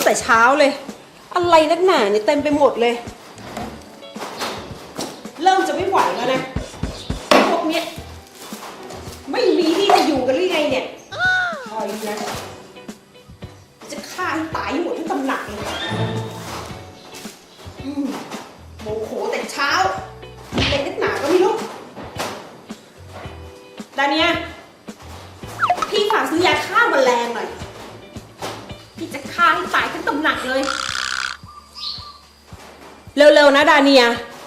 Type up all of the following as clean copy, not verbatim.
แต่เช้าเลยอะไรนักหนาเนี่ยเต็มไปหมดเลยเริ่มจะไม่ไหวแล้วนะพวกเนี้ยไม่มีที่จะอยู่กันหรือไงเนี่ยคอยดูนะจะฆ่าให้ตายหมดทั้งตำหนักเลยโมโหแต่เช้าอะไรนักหนาก็ไม่รู้ดาเนียพี่ฝากซื้อยาฆ่าแมลงหน่อยพี่จะฆ่าให้ตายทั้งตำหนักเลยเร็วๆนะดาเนีย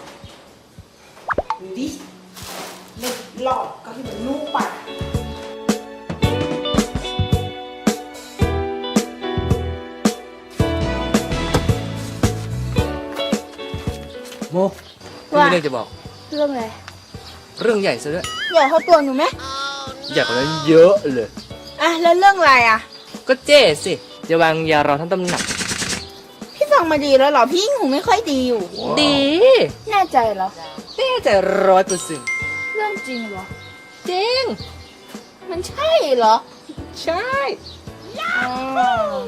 ดูดิเล่นหลอกก็ให้มันลูกไปโมมีเรื่องจะบอกเรื่องอะไรเรื่องใหญ่ซะด้วยใหญ่เท่าตัวหนูไหมใหญ่กว่านั้นเยอะเลยอ่ะแล้วเรื่องอะไรอ่ะก็เจ๊สิจะวางยาเราทั้งตำหนักพี่ฟังมาดีแล้วเหรอพี่หูไม่ค่อยดีอยู่ดีแน่ใจเหรอแน่ใจ100% เรื่องจริงเหรอจริงมันใช่เหรอใช่อ๋อ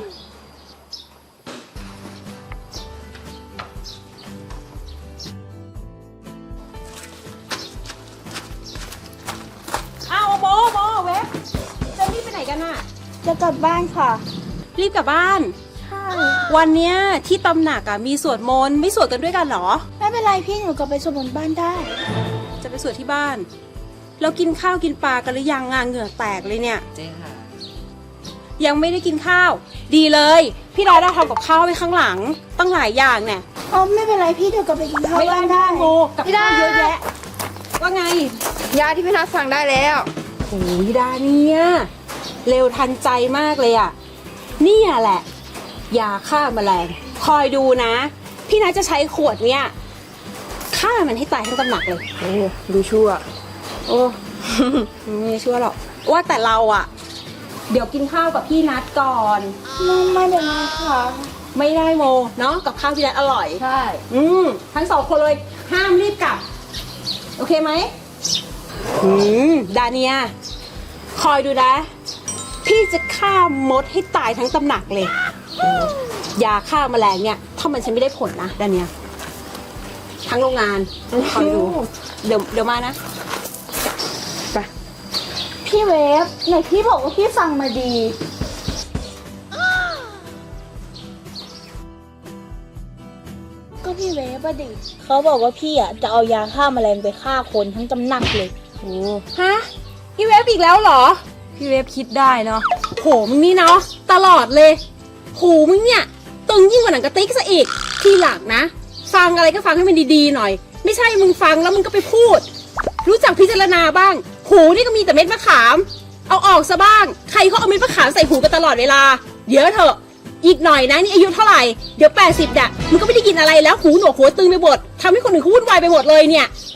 อ้าวโมเว็บจะรีบไปไหนกันน่ะจะกลับบ้านค่ะรีบกลับบ้านใช่วันเนี้ยที่ตำหนักอะมีสวดมนต์ไม่สวดกันด้วยกันเหรอไม่เป็นไรพี่หนูกลับไปสวดมนต์บ้านได้จะไปสวดที่บ้านเรากินข้าวกินปลากันหรือยังงานเหงื่อแตกเลยเนี่ยเจ๊ค่ะยังไม่ได้กินข้าว ดีเลยพี่ดาทำกับข้าวไว้ข้างหลังตั้งหลายอย่างเนี่ยอ๋อไม่เป็นไรพี่เดี๋ยวกลับไปกินข้าวไม่ได้บ้านได้ได้โมกับข้าวเยอะแยะว่าไงยาที่พี่นัทสั่งได้แล้วโอ้ยดาเนี่ยเร็วทันใจมากเลยอะเนี่ยแหละยาฆ่าแมลงคอยดูนะพี่นัทจะใช้ขวดเนี่ยฆ่ามันให้ตายทั้งตำหนักเลยโอ้ดูชั่วโอ้ ไม่ชั่วหรอกว่าแต่เราอะเดี๋ยวกินข้าวกับพี่นัทก่อนไม่เป็นไรค่ะไม่ได้โมเนาะกับข้าวพี่นัทอร่อยใช่ทั้งสองคนเลยห้ามรีบกลับ โอเคไหมดาเนียคอยดูนะ พี่จะฆ่ามดให้ตายทั้งตำหนักเลยยาฆ่าแมลงเนี่ยถ้ามันใช้ไม่ได้ผลนะดาเนียทั้งโรงงานคอยดูเดี๋ยวมานะไปพี่เวฟไหนพี่บอกว่าพี่ฟังมาดี ก็พี่เวฟอะดิเขาบอกว่าพี่อะจะเอายาฆ่าแมลงไปฆ่าคนทั้งตำหนักเลยโอ้ฮะพี่เวฟอีกแล้วเหรอพี่เวฟคิดได้เนาะโหมึงนี่เนาะตลอดเลยโหมึงเนี่ยตึงยิ่งกว่าหนังกระติกซะอีกทีหลังนะฟังอะไรก็ฟังให้มันดีๆหน่อย ไม่ใช่มึงฟังแล้วมึงก็ไปพูด รู้จักพิจารณาบ้างหูนี่ก็มีแต่เม็ดมะขามเอาออกซะบ้างใครเขาเอาเม็ดมะขามใส่หูกันตลอดเวลาเดี๋ยวเถอะอีกหน่อยนะนี่อายุเท่าไหร่เดี๋ยว80มึงก็ไม่ได้กินอะไรแล้วหูหนวกหัวตึงไปหมดทำให้คนอื่นเขาวุ่นวายไปหมดเลยเนี่ย